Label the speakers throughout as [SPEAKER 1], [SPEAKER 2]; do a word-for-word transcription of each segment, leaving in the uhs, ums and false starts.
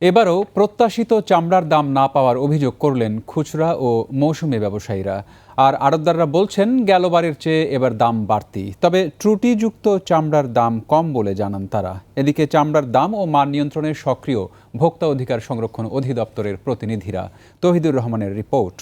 [SPEAKER 1] এবারও প্রত্যাশিত চামড়ার দাম না পাওয়ার অভিযোগ করলেন খুচরা ও মৌসুমী ব্যবসায়ীরা। আর আড়তদাররা বলছেন গেলবারের চেয়ে এবার দাম বাড়তি, তবে ত্রুটিযুক্ত চামড়ার দাম কম বলে জানান তারা। এদিকে চামড়ার দাম ও মান নিয়ন্ত্রণে সক্রিয় ভোক্তা অধিকার সংরক্ষণ অধিদপ্তরের প্রতিনিধিরা। তৌহিদুর রহমানের রিপোর্ট।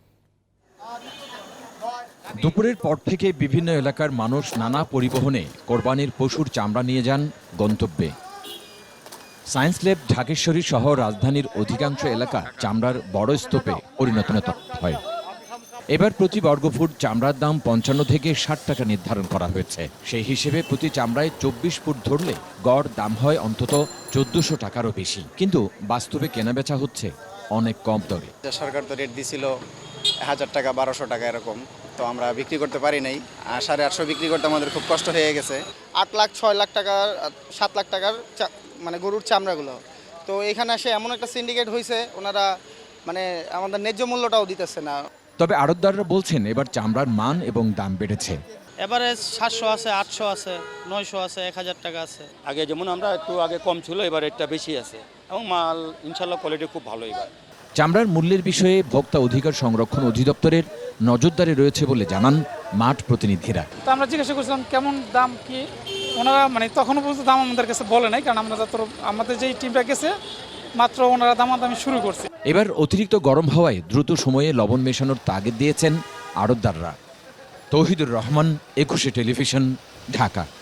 [SPEAKER 2] দুপুরের পর থেকে বিভিন্ন এলাকার মানুষ নানা পরিবহনে কোরবানির পশুর চামড়া নিয়ে যান গন্তব্যে। সায়েন্স ল্যাব ঢাকেশ্বরী সহ রাজধানীর অধিকাংশ এলাকা চামড়ার বড় স্তূপে পরিণত হয়। এবার প্রতি বর্গফুট চামড়ার দাম পঞ্চান্ন থেকে ষাট টাকা নির্ধারণ করা হয়েছে। সেই হিসেবে প্রতি চামড়ায় চব্বিশ ফুট ধরলে গড় দাম হয় অন্তত চোদ্দশো টাকারও বেশি, কিন্তু বাস্তবে কেনাবেচা হচ্ছে অনেক কম দরে।
[SPEAKER 3] সরকার তো রেট দিছিল হাজার টাকা বারোশো টাকা এরকম, তো আমরা বিক্রি করতে পারি নাই। আর সাড়ে আটশো বিক্রি করতে আমাদের খুব কষ্ট হয়ে গেছে। আট লাখ ছয় লাখ টাকার সাত লাখ টাকার মানে গরুর চামড়াগুলো, তো এখানে এসে এমন একটা সিন্ডিকেট হয়েছে, ওনারা মানে আমাদের ন্যায্য মূল্যটাও দিতেছে না।
[SPEAKER 2] তবে আড়তদাররা বলছেন এবার চামড়ার মান এবং দাম বেড়েছে।
[SPEAKER 4] এবারে সাতশো আছে, আটশো আছে, নয়শো আছে, এক হাজার টাকা আছে।
[SPEAKER 5] আগে যেমন আমরা একটু আগে কম ছিল, এবার রেটটা বেশি আছে এবং মাল ইনশাল্লাহ কোয়ালিটি খুব ভালো। এবার
[SPEAKER 2] চামড়ার মূল্যের বিষয়ে ভোক্তা অধিকার সংরক্ষণ অধিদপ্তরের নজরদারি রয়েছে বলে জানান মাঠ প্রতিনিধিরা।
[SPEAKER 6] তো আমরা জিজ্ঞাসা করছিলাম কেমন দাম কি, ওনারা মানে তখনও পর্যন্ত দাম আমাদের কাছে বলে নাই, কারণ আমরা যত আমাদের যেই টিমটা গেছে মাত্র ওনারা দামাদামি শুরু করছে।
[SPEAKER 2] এবার অতিরিক্ত গরম হওয়ায় দ্রুত সময়ে লবণ মেশানোর তাগিদ দিয়েছেন আড়তদাররা। তৌহিদুর রহমান, একুশে টেলিভিশন, ঢাকা।